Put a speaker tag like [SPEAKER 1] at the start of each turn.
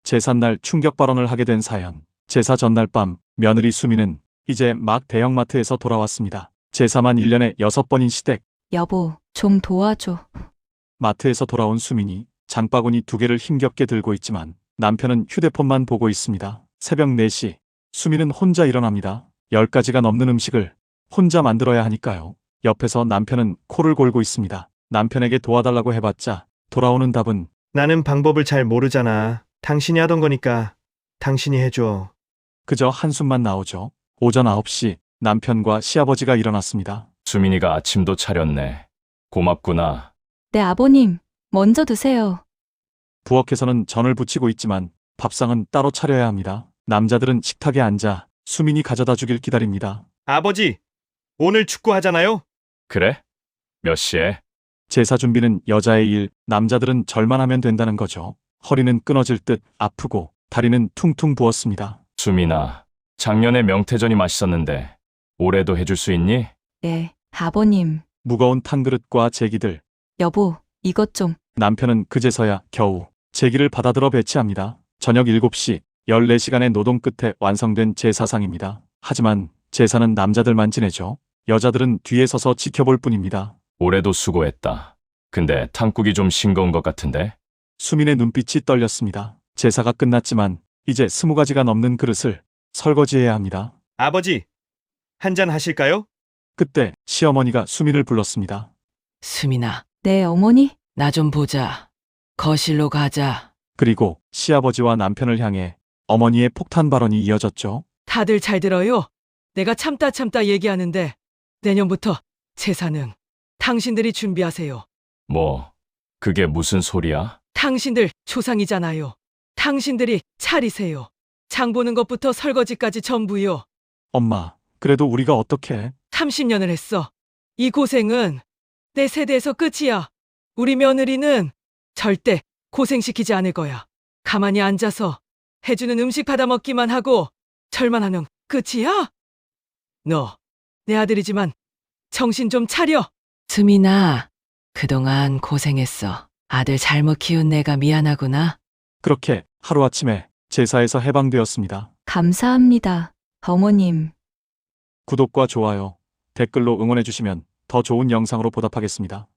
[SPEAKER 1] 제삿날 충격 발언을 하게 된 사연. 제사 전날 밤 며느리 수미는 이제 막 대형마트에서 돌아왔습니다. 제사만 1년에 6번인 시댁.
[SPEAKER 2] 여보, 좀 도와줘.
[SPEAKER 1] 마트에서 돌아온 수민이 장바구니 2개를 힘겹게 들고 있지만 남편은 휴대폰만 보고 있습니다. 새벽 4시 수민은 혼자 일어납니다. 10가지가 넘는 음식을 혼자 만들어야 하니까요. 옆에서 남편은 코를 골고 있습니다. 남편에게 도와달라고 해봤자 돌아오는 답은
[SPEAKER 3] 나는 방법을 잘 모르잖아. 당신이 하던 거니까 당신이 해줘.
[SPEAKER 1] 그저 한숨만 나오죠. 오전 9시 남편과 시아버지가 일어났습니다.
[SPEAKER 4] 수민이가 아침도 차렸네. 고맙구나.
[SPEAKER 2] 네, 아버님. 먼저 드세요.
[SPEAKER 1] 부엌에서는 전을 부치고 있지만 밥상은 따로 차려야 합니다. 남자들은 식탁에 앉아 수민이 가져다 주길 기다립니다.
[SPEAKER 3] 아버지, 오늘 축구 하잖아요?
[SPEAKER 4] 그래? 몇 시에?
[SPEAKER 1] 제사 준비는 여자의 일, 남자들은 절만 하면 된다는 거죠. 허리는 끊어질 듯 아프고 다리는 퉁퉁 부었습니다.
[SPEAKER 4] 수민아, 작년에 명태전이 맛있었는데 올해도 해줄 수 있니?
[SPEAKER 2] 네, 아버님.
[SPEAKER 1] 무거운 탕그릇과 제기들.
[SPEAKER 2] 여보, 이것 좀.
[SPEAKER 1] 남편은 그제서야 겨우 제기를 받아들어 배치합니다. 저녁 7시 14시간의 노동 끝에 완성된 제사상입니다. 하지만 제사는 남자들만 지내죠. 여자들은 뒤에 서서 지켜볼 뿐입니다.
[SPEAKER 4] 올해도 수고했다. 근데 탕국이 좀 싱거운 것 같은데?
[SPEAKER 1] 수민의 눈빛이 떨렸습니다. 제사가 끝났지만 이제 20가지가 넘는 그릇을 설거지해야 합니다.
[SPEAKER 3] 아버지, 한잔 하실까요?
[SPEAKER 1] 그때 시어머니가 수민을 불렀습니다.
[SPEAKER 5] 수민아,
[SPEAKER 2] 네, 어머니?
[SPEAKER 5] 나 좀 보자. 거실로 가자.
[SPEAKER 1] 그리고 시아버지와 남편을 향해 어머니의 폭탄 발언이 이어졌죠.
[SPEAKER 5] 다들 잘 들어요. 내가 참다 얘기하는데 내년부터 제사는 당신들이 준비하세요.
[SPEAKER 4] 뭐, 그게 무슨 소리야?
[SPEAKER 5] 당신들 조상이잖아요. 당신들이 차리세요. 장 보는 것부터 설거지까지 전부요.
[SPEAKER 1] 엄마, 그래도 우리가 어떻게?
[SPEAKER 5] 30년을 했어. 이 고생은 내 세대에서 끝이야. 우리 며느리는 절대 고생시키지 않을 거야. 가만히 앉아서 해주는 음식 받아 먹기만 하고 절만 하면 끝이야? 너, 내 아들이지만 정신 좀 차려. 수민아, 그동안 고생했어. 아들 잘못 키운 내가 미안하구나.
[SPEAKER 1] 그렇게 하루아침에 제사에서 해방되었습니다.
[SPEAKER 2] 감사합니다. 어머님.
[SPEAKER 1] 구독과 좋아요, 댓글로 응원해주시면 더 좋은 영상으로 보답하겠습니다.